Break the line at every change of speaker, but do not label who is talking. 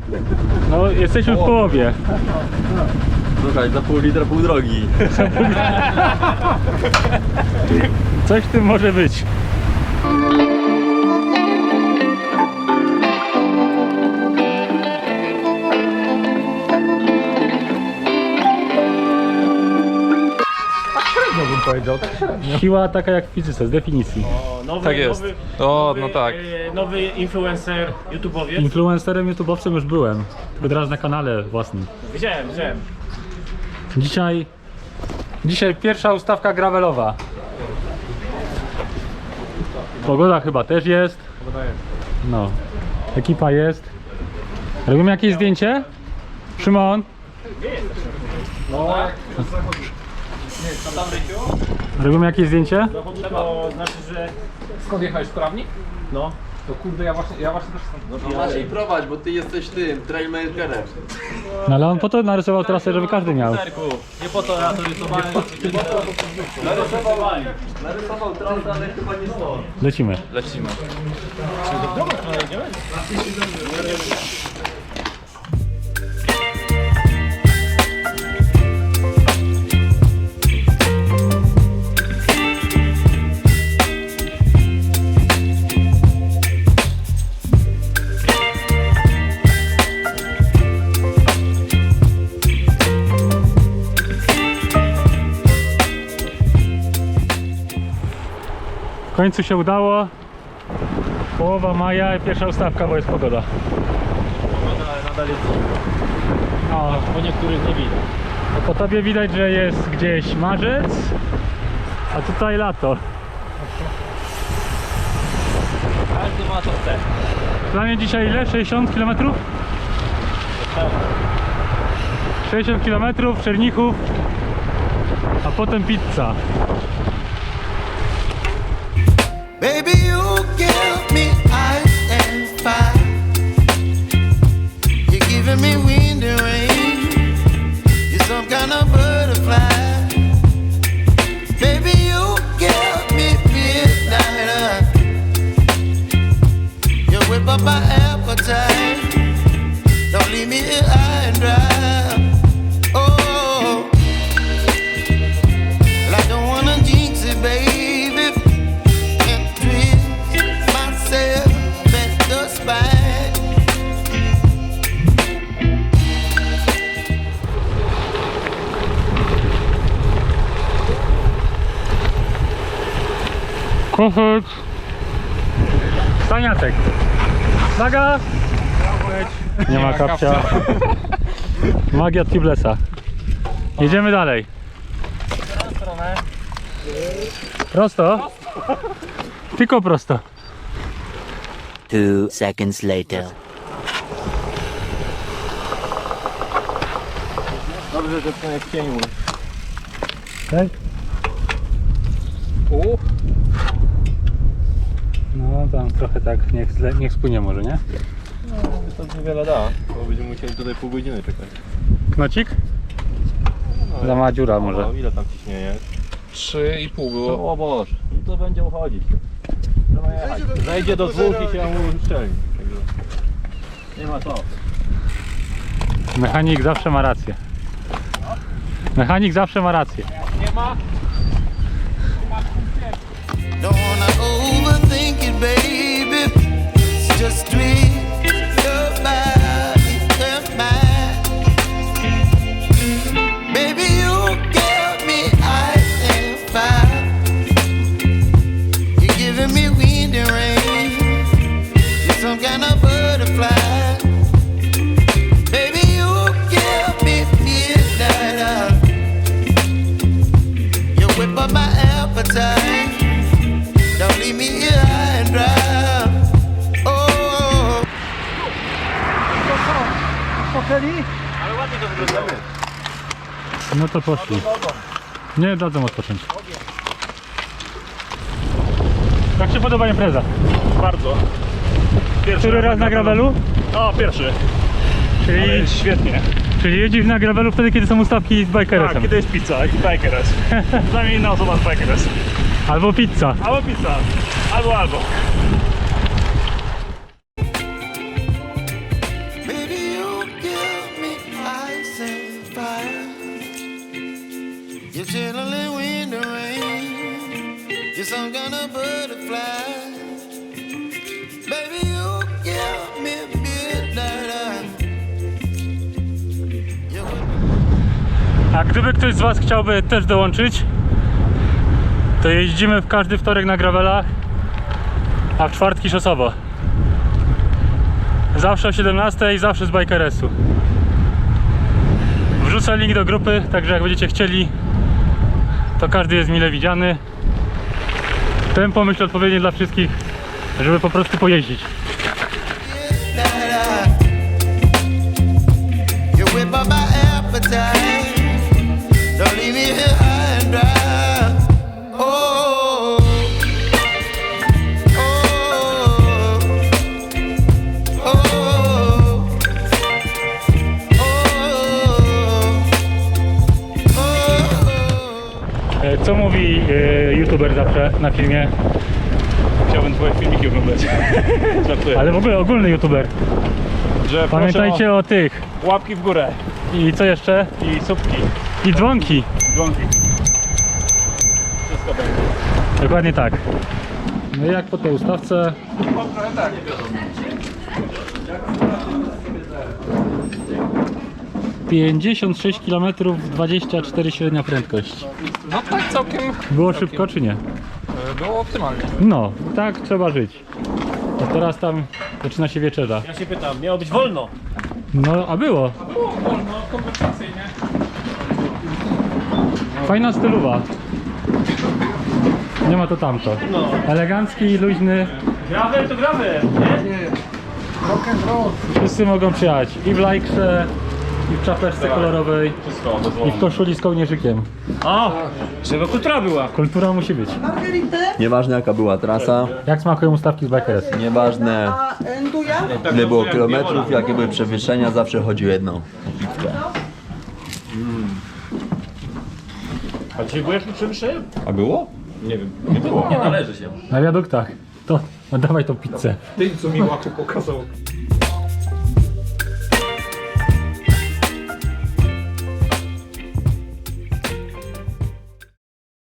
No, jesteśmy w połowie.
Słuchaj, za pół litra pół drogi.
Coś w tym może być.
Bym powiedział.
Siła taka jak w fizyce, z definicji.
Nowy,
Tak jest. O, no tak.
Nowy influencer, YouTubeowiec.
Influencerem, YouTube'owcem już byłem. Tylko teraz na kanale własnym.
Widziałem.
Dzisiaj pierwsza ustawka gravelowa. Pogoda chyba też jest. No. Ekipa jest. Robimy jakieś zdjęcie? Szymon? Robimy jakieś zdjęcie?
To znaczy, że...
Skąd jechałeś, Prawnik?
No.
To kurde, ja właśnie też stąd.
No Maciej, prowadź, bo ty jesteś tym, trailmakerem.
No ale on po to narysował trasę, żeby każdy miał.
Nie po to ja to rysowałem.
Narysował trasę, ale chyba nie stąd.
Lecimy.
Lecimy.
W końcu się udało. Połowa maja i pierwsza ustawka, bo jest pogoda.
Ale nadal jest...
No,
Po niektórych nie widać.
po tobie widać, że jest gdzieś marzec, a tutaj lato.
Każdy ma co chce.
Dla mnie dzisiaj ile? 60 km? 60 km, Czernichów, a potem pizza.
Baby, you give me ice and fire. You're giving me wind and rain. You're some kind of butterfly. Baby, you give me midnight. You whip up my appetite. Don't leave me here high and dry. Oh, well, I don't wanna jinx it, baby.
Kuchut. Staniatek. Uwaga! Nie ma kapcia. Magia Tiblesa. Jedziemy dalej. Prosto? Tylko prosto.
2 seconds later.
Dobrze, że to jest cień mój.
Tak? No tam trochę tak, niech spłynie może, nie?
To niewiele da, bo będziemy musieli tutaj pół godziny czekać.
Knocik? Za mała dziura może.
No, ile tam ciśnienie?
3,5 było.
O Boże, no to będzie uchodzić. Trzeba jechać. Zejdzie do 2 i się mu uszczelni. Także nie ma co.
Mechanik zawsze ma rację. Mechanik zawsze ma rację.
Nie ma?
Don't wanna overthink it, baby. It's just tweak your body and mine. Baby, you give me ice and fire. You're giving me wind and rain. You're some kind of butterfly. Baby, you give me midnight. You whip up my appetite. Don't leave me here high and dry. Oh.
Ale ładnie to wygląda.
No to poszli. Nie dadzą odpocząć. Jak się podoba impreza?
Bardzo. Pierwszy
Który raz na gravelu?
O, pierwszy.
Czyli,
Ale jest świetnie.
czyli jeździsz na gravelu wtedy, kiedy są ustawki z
Tak,
bikeresem.
kiedy jest pizza i bikeres. Przynajmniej inna osoba z bikeres.
Albo pizza.
Albo pizza. Albo.
Baby, you some kind of butterfly. Baby, you give me midnight.
A gdyby ktoś z Was chciałby też dołączyć, to jeździmy w każdy wtorek na gravelach, a w czwartki szosowo. Zawsze o 17 i zawsze z Bikeresu. Wrzucę link do grupy, także jak będziecie chcieli, to każdy jest mile widziany. Tempo myślę odpowiednie dla wszystkich, żeby po prostu pojeździć.
You whip up my appetite. Don't leave me here high and dry. Oh, oh, oh, oh.
Co mówi youtuber zawsze na filmie?
Chciałbym twoje filmiki oglądać. Żartuję.
Ale w ogóle ogólny youtuber.
Że
Pamiętajcie o tych.
łapki w górę
I co jeszcze?
i słupki,
I dzwonki.
dzwonki. Wszystko będzie.
Dokładnie tak. No i jak po tej ustawce?
Trochę tak.
56 km, 24 średnia prędkość.
No tak całkiem
Było szybko czy nie?
było optymalnie.
No, tak trzeba żyć. A teraz tam zaczyna się wieczerza.
Ja się pytam, miało być wolno.
No, a było.
Wolno, konwersacyjnie.
Fajna stylowa. Nie ma to tamto. Elegancki, luźny.
Gravel to gravel, nie?
Wszyscy mogą przyjechać i w lajkrze, i w czapeczce kolorowej,
Wszystko,
i
dozwolone.
w koszuli z kołnierzykiem.
O! Żeby kultura była.
Kultura musi być.
Nieważne jaka była trasa,
Jak smakują ustawki z Bikeresu?
nieważne ile było kilometrów, jakie były przewyższenia, zawsze chodził jedno.
A dzisiaj byłeś tu przewyższeniem?
A było?
Nie wiem, nie było. Nie należy się.
Na wiaduktach. To, no dawaj tą pizzę.
Ty, co mi łaku pokazał.